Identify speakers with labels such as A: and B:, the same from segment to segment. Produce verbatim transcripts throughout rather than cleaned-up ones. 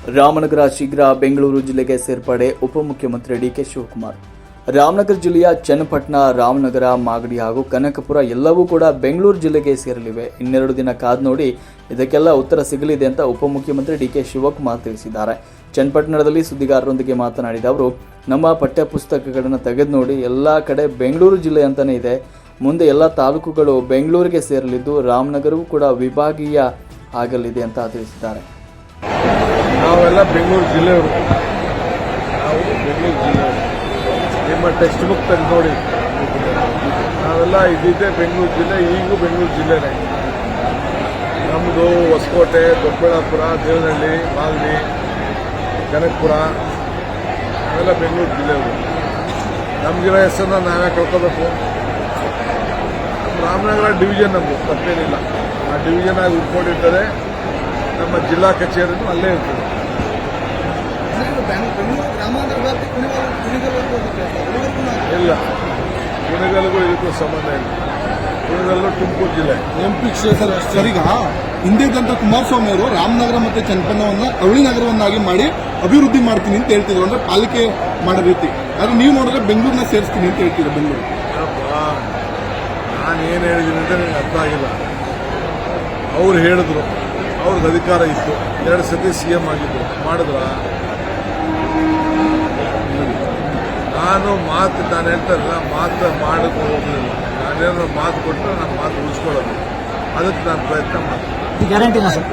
A: ರಾಮನಗರ ಶೀಘ್ರ ಬೆಂಗಳೂರು ಜಿಲ್ಲೆಗೆ ಸೇರ್ಪಡೆ ಉಪಮುಖ್ಯಮಂತ್ರಿ ಡಿಕೆ ಶಿವಕುಮಾರ್. ರಾಮನಗರ ಜಿಲ್ಲೆಯ ಚನ್ನಪಟ್ಟಣ, ರಾಮನಗರ, ಮಾಗಡಿ ಹಾಗೂ ಕನಕಪುರ ಎಲ್ಲವೂ ಕೂಡ ಬೆಂಗಳೂರು ಜಿಲ್ಲೆಗೆ ಸೇರಲಿವೆ. ಇನ್ನೆರಡು ದಿನ ಕಾದು ನೋಡಿ ಇದಕ್ಕೆಲ್ಲ ಉತ್ತರ ಸಿಗಲಿದೆ ಅಂತ ಉಪಮುಖ್ಯಮಂತ್ರಿ ಡಿಕೆ ಶಿವಕುಮಾರ್ ತಿಳಿಸಿದ್ದಾರೆ. ಚನ್ನಪಟ್ಟಣದಲ್ಲಿ ಸುದ್ದಿಗಾರರೊಂದಿಗೆ ಮಾತನಾಡಿದ ಅವರು, ನಮ್ಮ ಪಠ್ಯ ಪುಸ್ತಕಗಳನ್ನು ತೆಗೆದು ನೋಡಿ ಎಲ್ಲ ಕಡೆ ಬೆಂಗಳೂರು ಜಿಲ್ಲೆ ಅಂತಾನೆ ಇದೆ. ಮುಂದೆ ಎಲ್ಲ ತಾಲೂಕುಗಳು ಬೆಂಗಳೂರಿಗೆ ಸೇರಲಿದ್ದು ರಾಮನಗರವೂ ಕೂಡ ವಿಭಾಗೀಯ ಆಗಲಿದೆ ಅಂತ ತಿಳಿಸಿದ್ದಾರೆ.
B: ನಾವೆಲ್ಲ ಬೆಂಗಳೂರು ಜಿಲ್ಲೆಯವರು, ನಾವು ಬೆಂಗಳೂರು ಜಿಲ್ಲೆಯವರು. ನಿಮ್ಮ ಟೆಕ್ಸ್ಟ್ ಬುಕ್ ತೆಗೆದು ನೋಡಿ, ನಾವೆಲ್ಲ ಇದ್ದಿದ್ದೆ ಬೆಂಗಳೂರು ಜಿಲ್ಲೆ, ಈಗೂ ಬೆಂಗಳೂರು ಜಿಲ್ಲೆನೇ. ನಮ್ಮದು ಹೊಸಕೋಟೆ, ದೊಡ್ಡಬಳ್ಳಾಪುರ, ದೇವನಹಳ್ಳಿ, ಮಾಗಡಿ, ಕನಕಪುರ ನಾವೆಲ್ಲ ಬೆಂಗಳೂರು ಜಿಲ್ಲೆಯವರು. ನಮಗಿರೋ ಹೆಸರನ್ನ ನಾವೇ ಕಳ್ಕೋಬೇಕು. ರಾಮನಗರ ಡಿವಿಷನ್ ನಮ್ಮದು, ತಪ್ಪೇನಿಲ್ಲ. ಆ ಡಿವಿಷನ್ ಆಗಿ ಉಟ್ಕೊಂಡಿರ್ತಾರೆ. ನಮ್ಮ ಜಿಲ್ಲಾ ಕಚೇರಿನೂ ಅಲ್ಲೇ ಇರ್ತದೆ. ಇಲ್ಲ, ಕುಣಿಗಲ್ಗೂ ಇದಕ್ಕೂ ಸಂಬಂಧ ಇಲ್ಲ. ಕುಣಿಗಲ್ಲು ತುಮಕೂರು ಜಿಲ್ಲೆ
C: ಎಂ ಪಿ ಕ್ಷೇತ್ರ. ಸರಿಗ ಹಿಂದಿದ್ದಂತ ಕುಮಾರಸ್ವಾಮಿ ಅವರು ರಾಮನಗರ ಮತ್ತು ಚನ್ನಪಟ್ಟಣವನ್ನ ಅವಳಿ ನಗರವನ್ನಾಗಿ ಮಾಡಿ ಅಭಿವೃದ್ಧಿ ಮಾಡ್ತೀನಿ ಅಂತ ಹೇಳ್ತಿದ್ರು, ಅಂದ್ರೆ ಪಾಲಿಕೆ ಮಾಡೋ ರೀತಿ. ಆದ್ರೆ ನೀವು ನೋಡಿದ್ರೆ ಬೆಂಗಳೂರನ್ನ ಸೇರಿಸ್ತೀನಿ ಅಂತ ಹೇಳ್ತೀರಾ. ಬೆಂಗಳೂರು
B: ನಾನು ಏನು ಹೇಳಿದ್ದೀನಿ ಅಂತ ನನಗೆ ಅರ್ಥ ಆಗಿಲ್ಲ. ಅವ್ರು ಹೇಳಿದ್ರು, ಅವ್ರಿಗೆ ಅಧಿಕಾರ ಇತ್ತು, ಎರಡು ಸತಿ ಸಿ ಎಂ ಆಗಿದ್ರು, ಮಾಡಿದ್ರ? ನಾನು ಮಾತು ನಾನು ಹೇಳ್ತಾರಲ್ಲ, ಮಾತು ಮಾಡೋದು ಹೋಗಲಿಲ್ಲ. ನಾನೇನೋ ಮಾತು ಕೊಟ್ಟರೆ ನಾನು ಮಾತು ಉಳಿಸ್ಕೊಳ್ಳೋದು, ಅದಕ್ಕೆ ನಾನು ಪ್ರಯತ್ನ ಮಾಡ್ತೀನಿ.
D: ಗ್ಯಾರಂಟಿನಾ ಸರ್?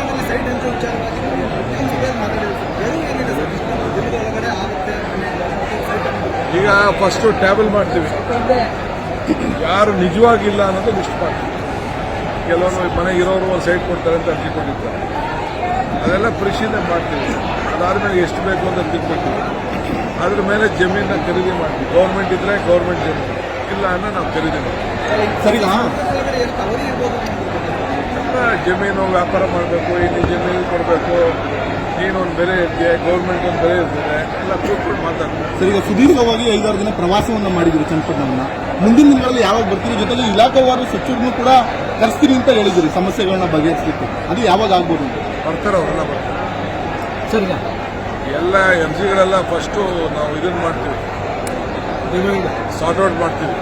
B: ಈಗ ಫಸ್ಟು ಟ್ಯಾಬಲ್ ಮಾಡ್ತೀವಿ, ಯಾರು ನಿಜವಾಗಿಲ್ಲ ಅನ್ನೋದು ಲಿಸ್ಟ್ ಮಾಡ್ತೀವಿ. ಕೆಲವರು ಮನೆಗಿರೋರು ಒಂದು ಸೈಟ್ ಕೊಡ್ತಾರೆ ಅಂತ ಅರ್ಜಿ ಕೊಟ್ಟಿರ್ತಾರೆ, ಅದೆಲ್ಲ ಪರಿಶೀಲನೆ ಮಾಡ್ತೀವಿ. ಅದಾದ್ಮೇಲೆ ಎಷ್ಟು ಬೇಕು ಅಂತ ತಿಳ್ಕೊಳ್ತೀವಿ. ಅದ್ರ ಮೇಲೆ ಜಮೀನ ಖರೀದಿ ಮಾಡ್ತೀವಿ. ಗೌರ್ಮೆಂಟ್ ಇದ್ರೆ ಗೌರ್ಮೆಂಟ್ ಜಮೀನು, ಇಲ್ಲ ಅನ್ನೋ ನಾವು ಖರೀದಿ ಮಾಡ್ತೀವಿ.
C: ಸರಿಗ
B: ಜಮೀನು ವ್ಯಾಪಾರ ಮಾಡಬೇಕು, ಇಲ್ಲಿ ಜಮೀನು ಕೊಡಬೇಕು, ನೀನೊಂದು ಬೆಲೆ ಇರ್ತೀಯ, ಗೌರ್ಮೆಂಟ್ ಒಂದು ಬೆಲೆ ಇರ್ತದೆ, ಎಲ್ಲ ಕೂತ್ಕೊಂಡು ಮಾತಾಡ್ತೀವಿ.
C: ಸರಿಗ ಸುದೀರ್ಘವಾಗಿ ಐದಾರು ದಿನ ಪ್ರವಾಸವನ್ನ ಮಾಡಿದ್ರು ಚನ್ನಪಟ್ಟಣವನ್ನ. ಮುಂದಿನ ದಿನಗಳಲ್ಲಿ ಯಾವಾಗ ಬರ್ತೀರಿ? ಜೊತೆಗೆ ಇಲಾಖಾವಾರು ಸಚಿವರನ್ನು ಕೂಡ ಕರೆಸ್ತೀನಿ ಅಂತ ಹೇಳಿದ್ರಿ ಸಮಸ್ಯೆಗಳನ್ನ ಬಗೆಹರಿಸಲಿಕ್ಕೆ. ಅದು ಯಾವಾಗ ಆಗ್ಬೋದು?
B: ಬರ್ತಾರೆ, ಅವರೆಲ್ಲ ಬರ್ತಾರೆ.
D: ಸರಿಗ
B: ಎಲ್ಲ ಎಂ ಸಿಗಳೆಲ್ಲ ಫಸ್ಟು ನಾವು ಇದನ್ನು ಮಾಡ್ತೀವಿ, ಸಾರ್ಟ್ ಔಟ್ ಮಾಡ್ತೀವಿ.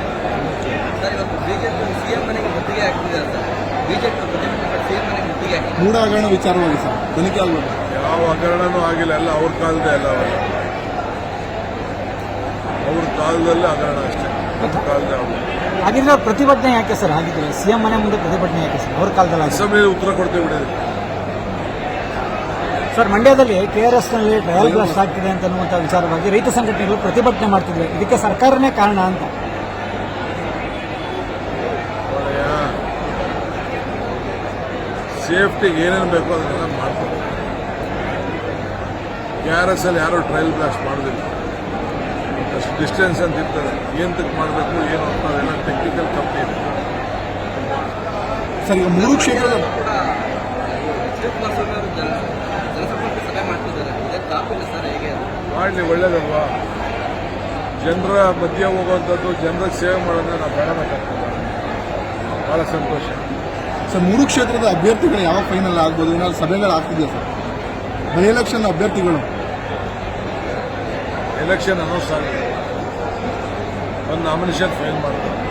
C: ಮೂಢ ಹಗರಣ ವಿಚಾರವಾಗಿ ಸರ್ ತನಿಖೆ ಆಗ್ಬೋದು.
B: ಯಾವ ಹಗರಣನೂ ಆಗಿಲ್ಲ, ಎಲ್ಲ ಅವ್ರ ಕಾಲದೇ ಅಲ್ಲ. ಅವೆಲ್ಲ ಅವ್ರ ಕಾಲದಲ್ಲಿ ಹಗರಣ ಅಷ್ಟೇ, ನಮ್ಮ ಕಾಲದೇ ಆಗಲ್ಲ.
D: ಹಾಗಿದ್ರೆ ಪ್ರತಿಭಟನೆ ಯಾಕೆ ಸರ್ ಆಗಿದ್ರೆ? ಸಿಎಂ ಮನೆ ಮುಂದೆ ಪ್ರತಿಭಟನೆ ಯಾಕೆ ಸರ್? ಅವ್ರ ಕಾಲದಲ್ಲಿ
B: ಅಸೆಂಬ್ಲಿ ಉತ್ತರ ಕೊಡ್ತೇವೆ ಬಿಡೋದು.
D: ಸರ್, ಮಂಡ್ಯದಲ್ಲಿ ಕೆ ಆರ್ ಎಸ್ ನಲ್ಲಿ ಟ್ರಯಲ್ ಬ್ಲಾಸ್ಟ್ ಆಗ್ತಿದೆ ಅಂತ ಅನ್ನುವಂಥ ವಿಚಾರವಾಗಿ ರೈತ ಸಂಘಟನೆಗಳು ಪ್ರತಿಭಟನೆ ಮಾಡ್ತಿದ್ವಿ. ಇದಕ್ಕೆ ಸರ್ಕಾರನೇ ಕಾರಣ ಅಂತ.
B: ಸೇಫ್ಟಿಗೆ ಏನೇನು ಬೇಕೋ ಅದನ್ನೆಲ್ಲ ಮಾಡ್ತಾರೆ. ಕೆ ಆರ್ ಎಸ್ ಅಲ್ಲಿ ಯಾರು ಟ್ರಯಲ್ ಬ್ಲಾಸ್ಟ್ ಮಾಡೋದಿಲ್ಲ. ಅಷ್ಟು ಡಿಸ್ಟೆನ್ಸ್ ಅಂತ ಇರ್ತದೆ, ಏನಕ್ಕೆ ಮಾಡಬೇಕು ಏನು ಅಂತ ಅವೆಲ್ಲ ಟೆಕ್ನಿಕಲ್ ಕಂಪ್ನಿ ಇದೆ.
C: ಸರ್, ಈಗ ಮೂರು ಕ್ಷೇತ್ರದ
B: ಮಾಡಲಿ, ಒಳ್ಳೇದಲ್ವಾ? ಜನರ ಮಧ್ಯೆ ಹೋಗುವಂಥದ್ದು, ಜನರಿಗೆ ಸೇವೆ ಮಾಡೋದನ್ನ ನಾವು ಬೇಡಬೇಕಾಗ್ತದೆ. ಭಾಳ ಸಂತೋಷ.
C: ಸರ್, ಮೂರು ಕ್ಷೇತ್ರದ ಅಭ್ಯರ್ಥಿಗಳು ಯಾವ ಫೈನಲ್ ಆಗ್ಬೋದು? ಏನಾದ್ರು ಸಭೆಗಳು ಆಗ್ತಿದೆಯಾ ಸರ್? ಬೈ ಎಲೆಕ್ಷನ್ ಅಭ್ಯರ್ಥಿಗಳು
B: ಎಲೆಕ್ಷನ್ ಅನೌನ್ಸ್ ಆಗಿದೆ, ಒಂದು ನಾಮಿನೇಷನ್ ಫೈಲ್ ಮಾಡ್ತಾರೆ.